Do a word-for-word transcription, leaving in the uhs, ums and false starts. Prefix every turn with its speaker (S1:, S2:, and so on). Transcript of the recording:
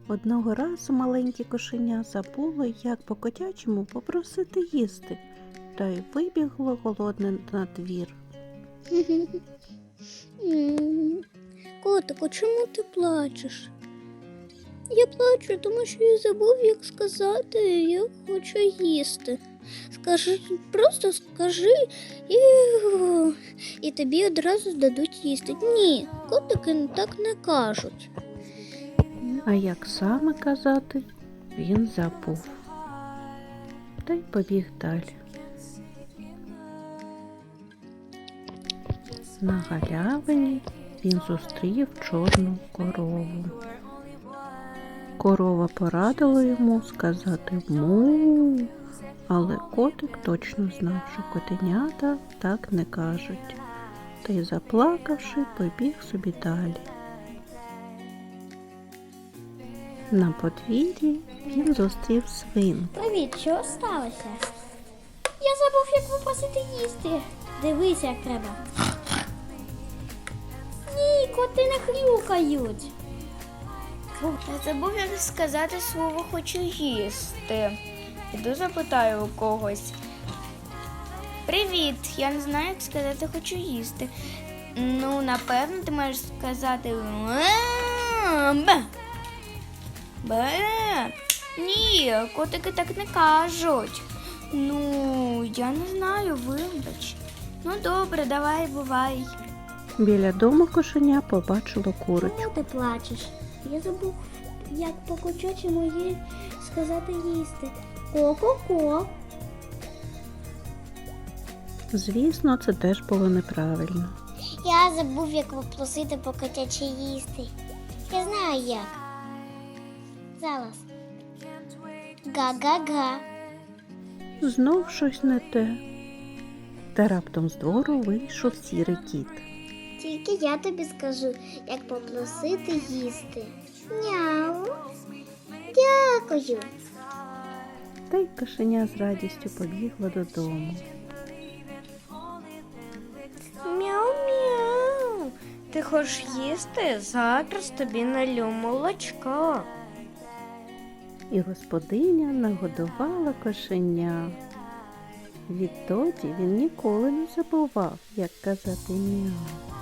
S1: Одного разу маленьке кошеня забуло, як по-котячому попросити їсти, та й вибігло голодне на двір.
S2: Котику, чому ти плачеш? Я плачу, тому що я забув, як сказати, я хочу їсти. Скажи, просто скажи і, і тобі одразу дадуть їсти. Ні, котики так не кажуть.
S1: А як саме казати, він забув. Та й побіг далі. На галявині він зустрів чорну корову. Корова порадила йому сказати му, але котик точно знав, що котенята так не кажуть, та й, заплакавши, побіг собі далі. На подвір'ї він зустрів свинку.
S2: Привіт, що сталося? Я забув, як попросити їсти. Дивись, як треба. Ні, коти не хрюкають.
S3: Я забув, як сказати слово «хочу їсти». Іду запитаю у когось. Привіт, я не знаю, як сказати «хочу їсти». Ну, напевно, ти можеш сказати «бе». Бе. Ні, котики так не кажуть. Ну, я не знаю, вибач. Ну, добре, давай, бувай.
S1: Біля дому кошеня побачило курочку.
S2: Чому ти плачеш? Я забув, як по-котячому їй сказати їсти. Ко-ко-ко.
S1: Звісно, це теж було неправильно.
S2: Я забув, як попросити по-котячі їсти. Я знаю як. Зараз. Га-га-га.
S1: Знов щось не те. Та раптом з двору вийшов сірий кіт.
S2: Тільки я тобі скажу, як попросити їсти. Няу. Дякую.
S1: Та й кошеня з радістю побігло додому.
S3: Мяу-мяу. Ти хочеш їсти? Зараз тобі налю молочка.
S1: І господиня нагодувала кошеня. Відтоді він ніколи не забував, як казати мяу.